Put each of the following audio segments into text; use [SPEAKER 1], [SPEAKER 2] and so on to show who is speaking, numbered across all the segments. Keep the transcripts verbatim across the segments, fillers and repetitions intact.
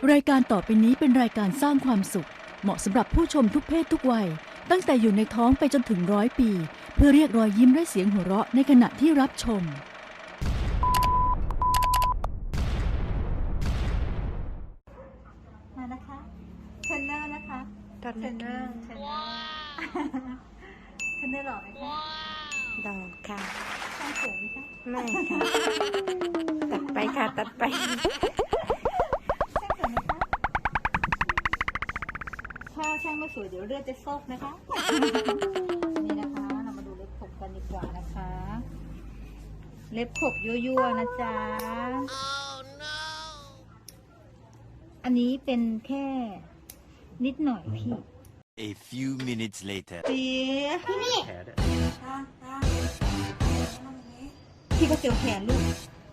[SPEAKER 1] รายการต่อไปนี้เป็นรายการสร้างความสุขเหมาะสำหรับผู้ชมทุกเพศทุกวัยตั้งแต่อยู่ในท้องไปจนถึงร้อยปีเพื่อเรียกรอยยิ้มและเสียงหัวเราะในขณะที่รับชม
[SPEAKER 2] มานะคะเทรนเนอร์นะคะเทรนเนอร์เทรนเนอร์เทรนเนอร์หล่อไหมคะ
[SPEAKER 3] ดอกค่ะ
[SPEAKER 2] ช่างสวยไหมคะ
[SPEAKER 3] ไม่ค่ะ ตัดไปค่ะ ตัดไป
[SPEAKER 2] ช่างสวยไหมคะถ้าช่างไม่สวยเดี๋ยวเลือดจะซกนะคะ นี่นะคะเรามาดูเล็บขบกันดีกว่านะคะ เล็บขบยั่วๆนะจ๊ะ อันนี้เป็นแค่นิดหน่อยพี่
[SPEAKER 4] A few minutes later.
[SPEAKER 2] เปียพี่นี่พี่ก็เจียวแขนลูก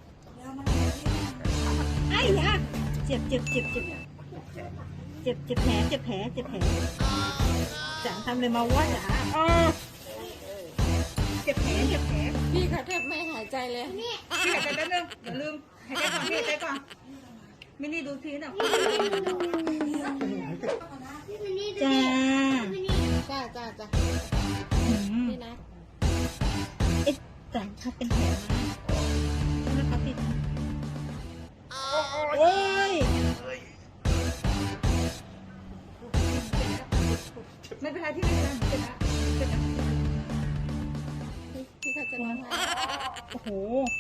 [SPEAKER 2] ไอ้ยะเจ็บเจ็บเจ็บเจ็บเจ็บเจ็บแผลเจ็บแผลเจ็บแผลจ๋าทำเลยมาว่าจ๋าอ้อเจ็บแผลเจ็บแผล
[SPEAKER 3] พี่เขาแทบไม่หายใจเลย
[SPEAKER 2] พี่หายใจแป๊บนึงอย่าลืมหายใจก่อนพี่หายใจก่อนมินี่ดูทีน่ะจ้า
[SPEAKER 3] จ้าจ้าจ้า
[SPEAKER 2] อืม
[SPEAKER 3] นี่นะ
[SPEAKER 2] เอ๊ะแต่ถ้าเป็นแผลมาแล้วเขาติดโอ้ยไม่เป็นไรที่ไม่เป็นไรเจ็บนะเจ็บนะ
[SPEAKER 3] พี่เขาจะร้องไห้
[SPEAKER 2] โอ้โห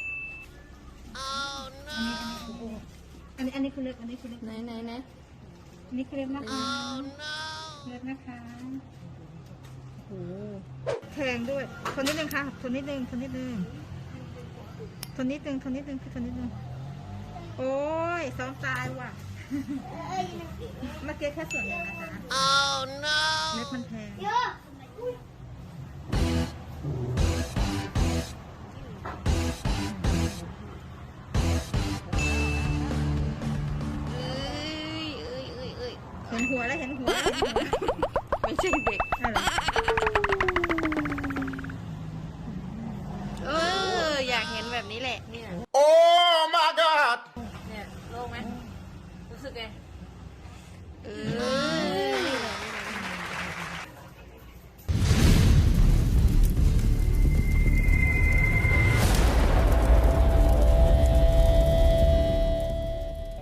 [SPEAKER 2] อันนี้อันนี้คือเล็บอันนี้คือเล็บ
[SPEAKER 3] ไหนไหนไหน
[SPEAKER 2] อันนี้คือเล็บนะคะเล็บนะคะโอ้โหแทงด้วยทนนิดนึงค่ะทนนิดนึงทนนิดนึงทนนิดนึงทนนิดนึงคือทนนิดนึงโอ้ยซ้อมตายว่ะเมื่อกี้แค่ส่วนหนึ่งนะคะ
[SPEAKER 4] Oh no!
[SPEAKER 2] เล็บมันแทงเห็นหัวแล้วเห็นหัวแล้วเห็นหัว